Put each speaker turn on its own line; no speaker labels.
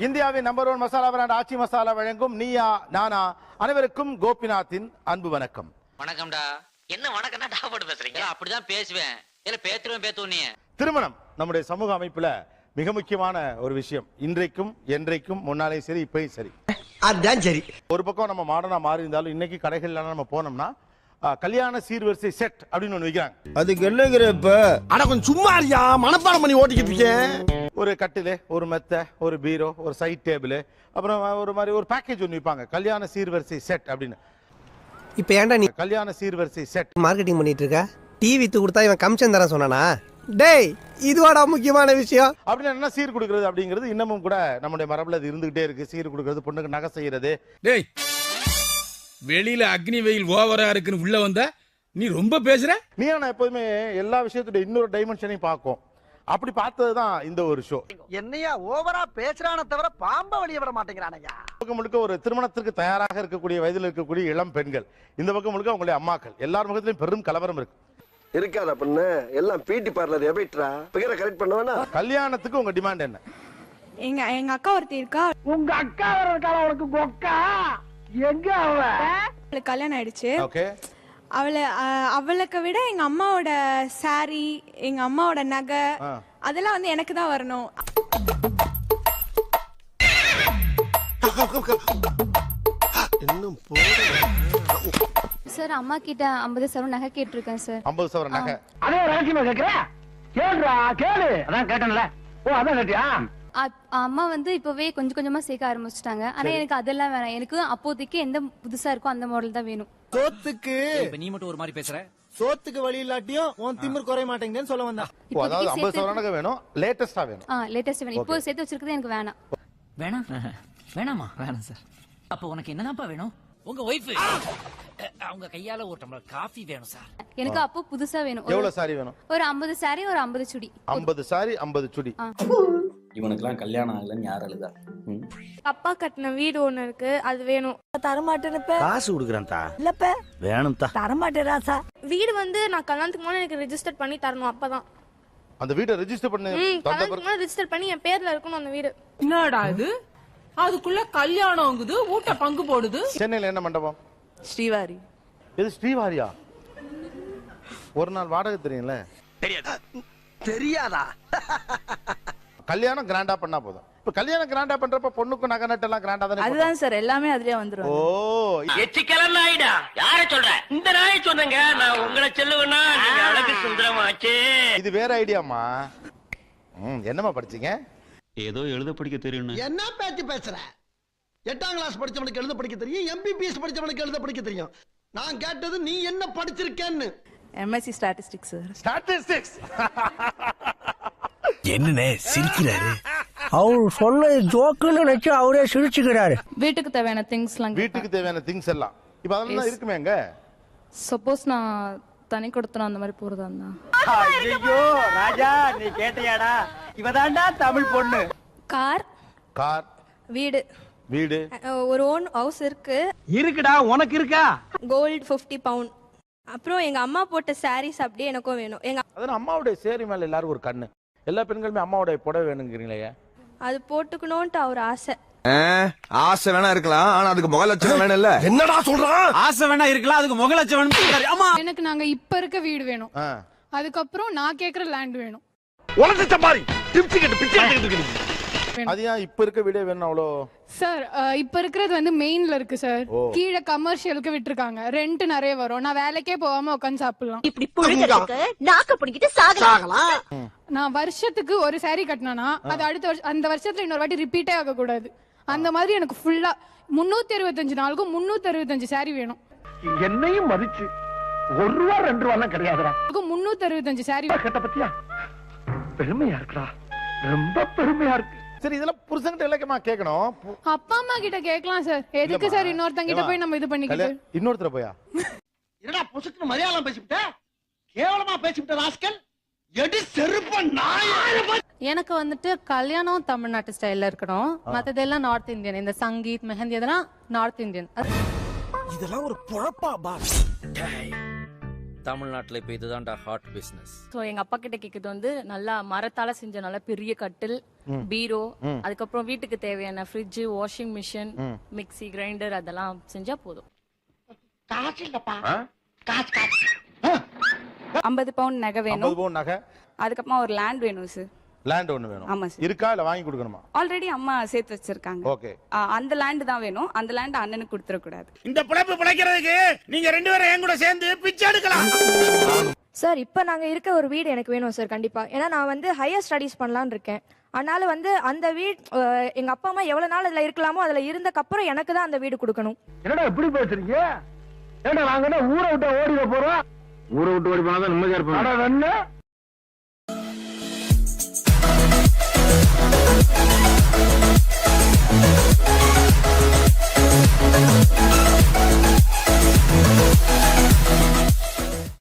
இந்தியாவின் number 1 masala brand Aachi masala வழங்கும் நீயா நானா அனைவருக்கும் கோபிநாத்தின் அன்பு வணக்கம்.
வணக்கம்டா. என்ன வணக்கம்னா டா போட்டு பேசுறீங்க? அப்படிதான் பேசுவேன். இல்ல பேத்துறேன் பேத்துவ நீ. திருமணம்
நம்முடைய சமூக அமைப்புல மிக முக்கியமான ஒரு விஷயம். இன்றைக்கும் என்றைக்கும் முன்னாலே சரி இப்பயும் சரி.
அதான் சரி.
ஒரு பக்கம் நம்ம மாடர்னா மாறி இருந்தாலும் இன்னைக்கு கடைகள்ல நம்ம போனோம்னா கல்யாண சீர்வரிசை செட் அப்படின்னு ஒண்ணு விக்கிறாங்க.
அதுக்கு என்னங்கிற இப்ப அட கொஞ்சம் சும்மா இருக்கியா, மனப்பாடம் பண்ணி ஓட்டிக்கிட்டு இருக்கேன்.
ஒரு கட்டிலு, ஒரு மெத்தை, ஒரு பீரோ, ஒரு சைட் டேபிள், அப்புறம் ஒரு மாதிரி ஒரு பேக்கேஜ் ஒன்று விற்பாங்க, கல்யாண சீர்வரிசை செட் அப்படின்னு.
இப்ப ஏன்டா நீ
கல்யாண சீர்வரிசை செட்
மார்க்கெட்டிங் பண்ணிட்டு இருக்க? டிவி வித்து கொடுத்தா இவன் கமிஷன் தரேன் சொன்னானா? டேய் இதுவாடா முக்கியமான விஷயம்.
அப்படின்னு என்ன சீர் கொடுக்கறது அப்படிங்கிறது இன்னமும் கூட நம்முடைய மரபுல அது இருந்துகிட்டே இருக்கு. சீர் கொடுக்கறது, பொண்ணுக்கு நகை செய்யறது.
டேய் வெளியில அக்னி வெயில் ஓவரா இருக்குன்னு உள்ள வந்தா நீ ரொம்ப பேசுற.
நீ நான் எப்போதுமே எல்லா விஷயத்துடைய இன்னொரு டைமென்ஷனையும் பார்க்கும். அப்படி பார்த்ததுதான் இந்த ஒரு ஷோ.
என்னையா ஓவரா பேசுறானே தவிர பாம்ப வெளிய விட மாட்டேங்கிறானயா.
பக்கம் முழுக்க ஒரு திருமணத்திற்கு தயாராக இருக்கக்கூடிய வயதில் இருக்கக்கூடிய இளம் பெண்கள், இந்த பக்கம் முழுக்க அவங்களுடைய அம்மாக்கள், எல்லார் முகத்திலும் பெரும் கலவரம் இருக்கு.
இருக்காதா பண்ணு எல்லாம் பிடி பார்லர் எபைட்ரா பிகரை கரெக்ட் பண்ணுவானா?
கல்யாணத்துக்கு உங்க டிமாண்ட் என்ன?
எங்க அக்கா ஒருத்தி இருக்கா.
உங்க அக்கா இருக்கா? உனக்கு கொக்கா எங்க அவ?
அவளுக்கு கல்யாணம் ஆயிடுச்சு.
ஓகே.
அவளுக்கு விட எங்க அம்மாவோட சாரி, எங்க அம்மாவோட நகை அதெல்லாம் வந்து எனக்கு தான் வரணும்.
சார் அம்மா கிட்ட 50 சவரன் நகை கேட்டிருக்கேன் சார்.
50 சவரன் நகை.
அதே ரகசியமா கேக்குற? கேளுடா கேளு. அதான் கேட்டேன்ல. ஓ அதான் கேட்டியா?
அம்மா வந்து இப்பவே கொஞ்சம் கொஞ்சமா சேர்க்க ஆரம்பிச்சிட்டாங்க. ஆனா எனக்கு அதெல்லாம் வேணாம். எனக்கு அப்போதைக்கு எந்த புதுசா இருக்கோ அந்த மாடல் தான் வேணும்.
சோத்துக்கு
இப்ப நீ மட்டும் ஒரு மாதிரி பேசுற.
சோத்துக்கு வழி இல்லாட்டியும் உன் திமிர் குறைய மாட்டேங்குதுன்னு சொல்ல வந்தா.
அதாவது 50 சவரன் நகை வேணும், லேட்டஸ்டா வேணும்.
லேட்டஸ்ட் வேணும். இப்போ சேர்த்து வச்சிருக்கிறது எனக்கு வேணாம்.
வேணாம் வேணாமா? வேணாம் சார். அப்ப உனக்கு என்னதான்ப்பா வேணும்? உங்க ஒய்ஃப் அவங்க கையால ஒரு டம்ளர் காஃபி வேணும் சார்.
எனக்கு அப்போ புதுசா வேணும்.
எவ்வளவு சாரி வேணும்?
ஒரு 50 சாரி, ஒரு 50 சுடி.
50 சாரி 50 சுடி.
இவனுக்குலாம் கல்யாணம் ஆகலன்னு யார் அழுதா?
அப்பா கட்டின வீடு ஒண்ணு இருக்கு, அது வேணும்.
தரமாட்டேனப்ப.
காசு குடுக்குறேன் தா.
இல்லப்ப.
வேணும் தா.
தரமாட்டேராசா.
வீடு வந்து நான் கல்யாணத்துக்கு முன்னாடி எனக்கு ரெஜிஸ்டர் பண்ணி தரணும். அப்பதான்
அந்த வீட்டை ரெஜிஸ்டர் பண்ணி
கல்யாணத்துக்கு முன்னாடி ரெஜிஸ்டர் பண்ணி என் பேர்ல இருக்கணும் அந்த வீடு.
என்னடா இது? அதுக்குள்ள கல்யாணம்ங்குது, ஊட்ட பங்கு போடுது.
சென்னையில என்ன மண்டபம்?
ஸ்ரீவாரி.
இது ஸ்ரீவாரியா? ஒரு நாள் வாடகை தெரியும்ல?
தெரியாதா?
கல்யாணம் கிராண்டா பண்ணா போதும். இப்ப கல்யாணம் கிராண்டா பண்றப்ப பொண்ணுக்கு நகை நட்டு எல்லாம் கிராண்டா தானே?
அதுதான் சார் எல்லாமே அதுலயே வந்துரும்.
ஓ
எச்சிக்கலன் நாயிடா. யார சொல்ற? இந்த நாயை சொன்னங்க. நான் உங்களை சொல்லுவேன்னா நீங்க அழகு சுந்தரமாச்சே.
இது வேற ஐடியாமா. என்னமா படிச்சீங்க?
ஏதோ எழுத படிக்க தெரியும்.
என்ன பேச்சு பேசுற? 8ஆம் கிளாஸ் படிச்சவனுக்கு எழுத படிக்க தெரியும், MBBS படிச்சவனுக்கு எழுத படிக்க தெரியும். நான் கேட்டது நீ என்ன படிச்சிருக்கேன்னு.
MSc statistics sir.
ஸ்டாட்டிஸ்டிக்ஸ்.
என்னனே சிரிக்கிறாரு? அவர் சொன்ன ஜோக்குன்னு நினைச்சு அவரே சிரிச்சுக்கிறாரு.
வீட்டுக்கு தேவையான திங்ஸ்லாம்.
வீட்டுக்கு தேவையான திங்ஸ் எல்லாம் இப்ப அதெல்லாம் இருக்குமேங்க.
சப்போஸ் நான் தனி கொடுத்தன அந்த மாதிரி போறதா இருந்தா.
ஐயோ ராஜா நீ கேட்டியாடா? இவதான்டா தமிழ் பொண்ணு.
கார்,
கார்,
வீடு,
வீடு,
ஒரு ஓன் ஹவுஸ் இருக்கு.
இருக்குடா. உனக்கு இருக்கா?
Gold 50 pound. அப்புறம் எங்க அம்மா போட்ட சாரீஸ் அப்படியே எனக்கும் வேணும்.
அதான் அம்மாவுடைய சேரி மேல எல்லாரும் ஒரு கண்ணு. எல்லா பெண்களுமே அம்மாவுடைய புடவை வேணுங்கிறீங்களே.
அது போட்டுக்கணும்ட்டு அவர் ஆசை.
ஆசை வேணா இருக்கலாம், ஆனா அதுக்கு முக லட்சணம் வேணும் இல்ல? என்னடா சொல்றான்?
ஆசை வேணா இருக்கலாம், அதுக்கு முக லட்சணம் வேணும். ஆமா
எனக்கு நாங்க இப்ப இருக்க வீடு வேணும். அதுக்கப்புறம் நான் கேக்குற லேண்ட் வேணும்.
உலக சம்பாரி டிப்ஸ் கேட்டு பிச்சை எடுத்துக்கிட்டு இருக்கு.
அது ஏன் இப்ப இருக்க வீடே வேணும் அவ்வளோ?
சார் இப்ப இருக்கிறது வந்து மெயின்ல இருக்கு சார். கீழே கமர்ஷியலுக்கு விட்டுருக்காங்க. ரெண்ட் நிறைய வரும். நான் வேலைக்கே போகாம உட்காந்து சாப்பிடலாம்.
இப்படி புழுகிறதுக்கு நாக்க பிடிக்கிட்டு சாகலாம்.
நான் வருஷத்துக்கு ஒரு சாரி கட்டினா அது அடுத்த வருஷம் அந்த வருஷத்துல இன்னொரு வாட்டி ரிப்பீட்டே ஆக கூடாது. அந்த மாதிரி எனக்கு ஃபுல்லா 365 நாளுக்கும் 365 சாரி வேணும்.
என்னையும் மதிச்சு 1 ரூபா 2 ரூபா எல்லாம் கிடையாதுடா.
365 சாரி
கேட்ட பத்தியா? பெருமையா இருக்குடா, ரொம்ப பெருமையா இருக்கு.
சரி இதெல்லாம் புருஷன்கிட்ட இலக்கமா கேட்கணும்.
அப்பா அம்மா கிட்ட கேட்கலாம் சார். எதுக்கு சார் இன்னொருத்தங்க கிட்ட போய் நம்ம இது பண்ணிக்கிட்டு?
இன்னொருத்தர போயா?
என்னடா புசுக்கு மலையாளம் பேசிவிட்ட? கேவலமா பேசிவிட்ட ராஸ்கல். எடி செருப்ப நாய.
எனக்கு வந்துட்டு கல்யாணம் தமிழ்நாட்டு ஸ்டைல்ல இருக்கணும். மத்ததெல்லாம் நார்த் இந்தியன். இந்த சங்கீத் மெஹந்தி அதெல்லாம் நார்த் இந்தியன்.
இதெல்லாம் ஒரு பொழப்பா பா?
தமிழ்நாட்டுல இப்ப இதுதான்டா ஹாட் பிசினஸ்.
ஸோ எங்க அப்பா கிட்ட கேட்குறது வந்து நல்லா மரத்தால செஞ்ச நல்ல பெரிய கட்டில், பீரோ, அதுக்கப்புறம் வீட்டுக்கு தேவையான fridge, washing machine, mixie, grinder அதெல்லாம் செஞ்சா போதும்.
50 பவுண்ட் நகை
50
வேணும்.
பவுன் நகை,
அதுக்கப்புறமா ஒரு லேண்ட் வேணும் சார்.
லேண்ட் ஒண்ணு வேணும்.
ஆமா சார்.
இருக்கா இல்ல வாங்கி கொடுக்கணுமா?
ஆல்ரெடி அம்மா சேர்த்து வச்சிருக்காங்க.
ஓகே.
அந்த லேண்ட் தான் வேணும். அந்த லேண்ட் அண்ணனுக்கு கொடுத்துட கூடாது.
இந்த பிழைப்பு பிழைக்கிறதுக்கு நீங்க 2 பேரும் என் கூட சேர்ந்து பிச்சை எடுக்கலாம்.
சார் இப்போ நாங்க இருக்க ஒரு வீடு எனக்கு வேணும் சார் கண்டிப்பா. ஏன்னா நான் வந்து ஹையர் ஸ்டடீஸ் பண்ணலாம்னு இருக்கேன். அதனால வந்து அந்த வீடு எங்க அப்பா அம்மா எவ்வளவு நாள் அதுல இருக்கலாமோ அதுல இருந்தக்கப்புறம் எனக்கு தான் அந்த வீடு கொடுக்கணும்.
என்னடா இப்படி பேசுறீங்க? ஏண்டா நாங்க ஊரை விட்டு ஓடிட போறோம்?
ஊரை விட்டு ஓடி போனாதான் நிம்மதியா இருப்பாங்க.